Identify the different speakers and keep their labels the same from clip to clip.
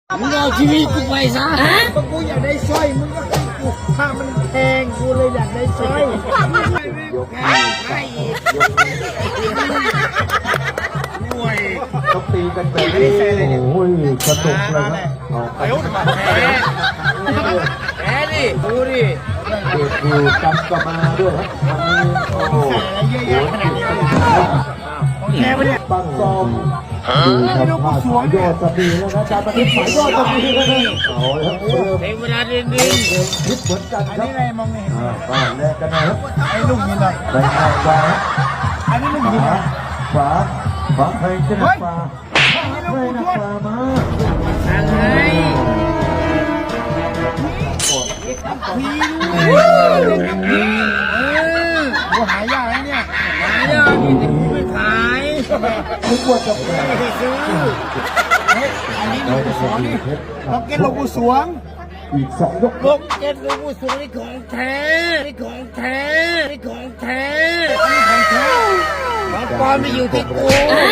Speaker 1: มึงเอาชีวิตกูไปซะ
Speaker 2: ก็กูอยากได้สร้อยมึงก็ให้กูถ้ามันแพงกูเลยอยากได้สร้อย
Speaker 3: เขาตีกันแบบนี้โอ้ยกระตุกเลยนะ
Speaker 1: แพ้ดิดูดิ
Speaker 3: เด็กอยู่จำกับมาด้วยครับวันนี้โอ้โห
Speaker 2: แกไปเนี่ย
Speaker 3: ปังซอมดูทำท่าสายยอดจะดีแล้วนะการปฏิบัติสายยอดจะดีแล้วนะเอาละเริ่ม
Speaker 1: เพลงเวลาดิน
Speaker 3: คิดเหมือนกัน
Speaker 2: อัน
Speaker 3: ครับ
Speaker 2: นี้อะไรมองไม่เห็น
Speaker 3: บ้านแรกกันนะครับ
Speaker 2: ไอ้ลูกนี่หน่อย
Speaker 3: ไปเอาขวา
Speaker 2: อันนี้ลูกนี่
Speaker 3: ขวาขวาใครจะนักขวา
Speaker 2: อันนี้ลูก
Speaker 3: ไม่
Speaker 2: กู
Speaker 3: นัก
Speaker 2: ทวด
Speaker 3: ขวามา
Speaker 1: อะไร
Speaker 2: กูหายากแล้วเนี่ย
Speaker 1: ไม่ได้ไม่ขาย
Speaker 3: ทุกวันจะแปล
Speaker 1: ไม่ซื้อ
Speaker 2: อันนี้ลูกกูสวงนี่ล็อกเก็ตลูกกูสวง
Speaker 3: อีก2 ยก
Speaker 1: ลูกเจ็ดลูกผู้สูงนี่ของแท้นี่ของแท้นี่ของแท้นี่ของแท้ของปลอมไม่อยู่ที่กู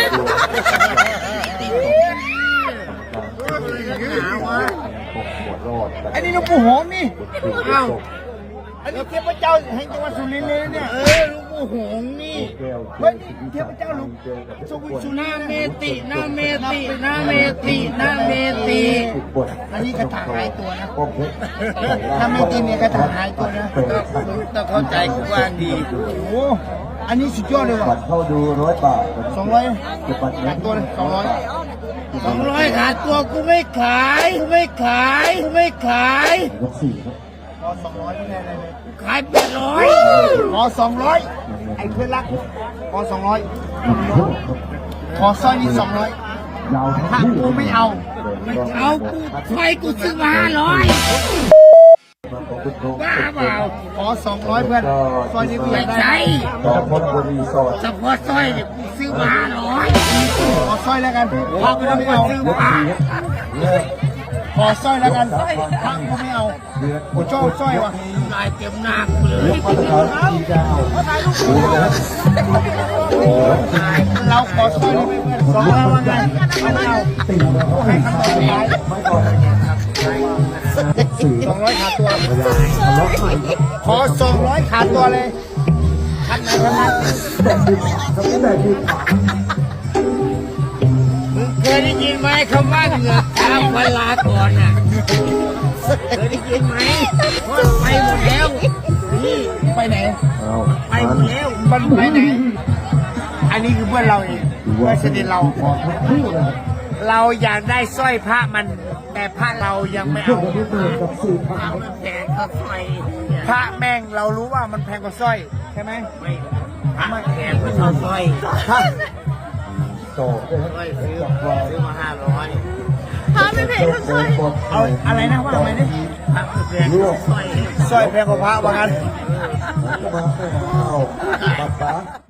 Speaker 2: อันนี้ลูกกูหอมนี่
Speaker 1: เอ้า
Speaker 2: อันนี้เทพเจ้าแห่งจังหวัดสุรินทร์เลยเนี่ย
Speaker 1: ลูกผู้หงนี่
Speaker 2: เฮ้ยเทพเจ้าลูกสุ
Speaker 1: ห
Speaker 2: ริ
Speaker 1: น้าน
Speaker 2: ทร์
Speaker 1: เมติหน้าเมติหน้าเมติหน้าเมติ
Speaker 2: อันนี้กระถางหายตัวนะ
Speaker 3: ป้อมเพชร
Speaker 2: ถ้าไม่กินเนี่ยกระถางหายตัวนะ
Speaker 1: ต้องเข้าใจกูว่าดี
Speaker 2: โอ้โหอันนี้สุดยอดเลย
Speaker 3: บั
Speaker 2: ว่ะ
Speaker 3: ตรเข้าดู100 บาท
Speaker 2: 200
Speaker 3: จะบัตร
Speaker 2: ขาดตัวเลย200
Speaker 1: 200ขาดตัวกูไม่ขายกูไม่ขายกูไม่ขาย
Speaker 3: ยก4ครับ
Speaker 2: ขอ200ไม่ได้อะไรเลย
Speaker 1: ขาย800
Speaker 2: ขอ200ไอ้เพื่อนรักขอ200ขอสร้อยนี่200
Speaker 3: ยาวทั้ง
Speaker 2: ถ้า
Speaker 3: คู่
Speaker 2: กูไม่เอา
Speaker 1: เอากูไฟกูซื้อมา500บ้าเปล่า
Speaker 2: ขอ200เพื่อนสร้อยนี่กูอ
Speaker 1: ไม่
Speaker 2: ยากได้
Speaker 1: ใช่
Speaker 3: ต่อคนบรีสอร์ท
Speaker 1: เฉพาะสร้อยเนี่ยกูซื้อมา500
Speaker 2: ขอสร้อยแล้วกันถ้ากูไม่เอา
Speaker 1: ซื้อมา
Speaker 3: เลิก
Speaker 2: ขอสร้อยแล้วกันถ้ากูไม่เอา
Speaker 3: เดือน
Speaker 2: กูชอบสร้อยว่ะ
Speaker 1: ลายเต็มหน้ากูเลย
Speaker 3: ยกมาตรฐานทีดาวดูนะครับ
Speaker 2: เราขอสร้อยได้ไหมเพื่อน200ว่าไงไม่เอา
Speaker 3: ตีนะครับ
Speaker 2: ให้คำตอบสุดท้าย
Speaker 3: ไม่ก่อน
Speaker 2: 200
Speaker 3: 4
Speaker 2: ขาดตัว
Speaker 3: ทะเลาะใหม่ครับ
Speaker 2: ขอ200ขาดตัวเลยคัดไหนคัดนั้น
Speaker 3: แต่ดีขวา
Speaker 1: มึงเคยได้ยินไหมคำว่าเหงื่อตามเวลาก่อนอ่ะเคยได้ยินไหมว่าไปหมดแล้วนี่
Speaker 2: ไปไหน
Speaker 3: เอา
Speaker 1: ไปหมดแล้ว
Speaker 2: มันไปไหน อันนี้คือเพื่อนเราเองเพื่อนสนิทเรา
Speaker 3: ขอทั้งคู่เลยครับ
Speaker 1: เราอยากได้สร้อยพระมัน แต่พระเรายังไม่
Speaker 3: ช่ว
Speaker 1: เอา
Speaker 3: งนี้เดินกับ4,000ครับ
Speaker 1: มันแพงก็สร้อย
Speaker 2: พระแม่งเรารู้ว่ามันแพงกว่าสร้อยใช่ไหม
Speaker 1: ไม่พระแพงไม่เท่าสร้อย
Speaker 3: ต่อเลยครับ
Speaker 1: สร้อยซื้อมา500
Speaker 4: พาไม่เพลงทั้งช่วย
Speaker 2: เอาอะไรนะว่าอะไรนี่
Speaker 1: พระแพงกว่าสร้อย
Speaker 2: สร้อยแพงกว่าพระว่างั้น
Speaker 3: ก็มาเอาป๊าป๊า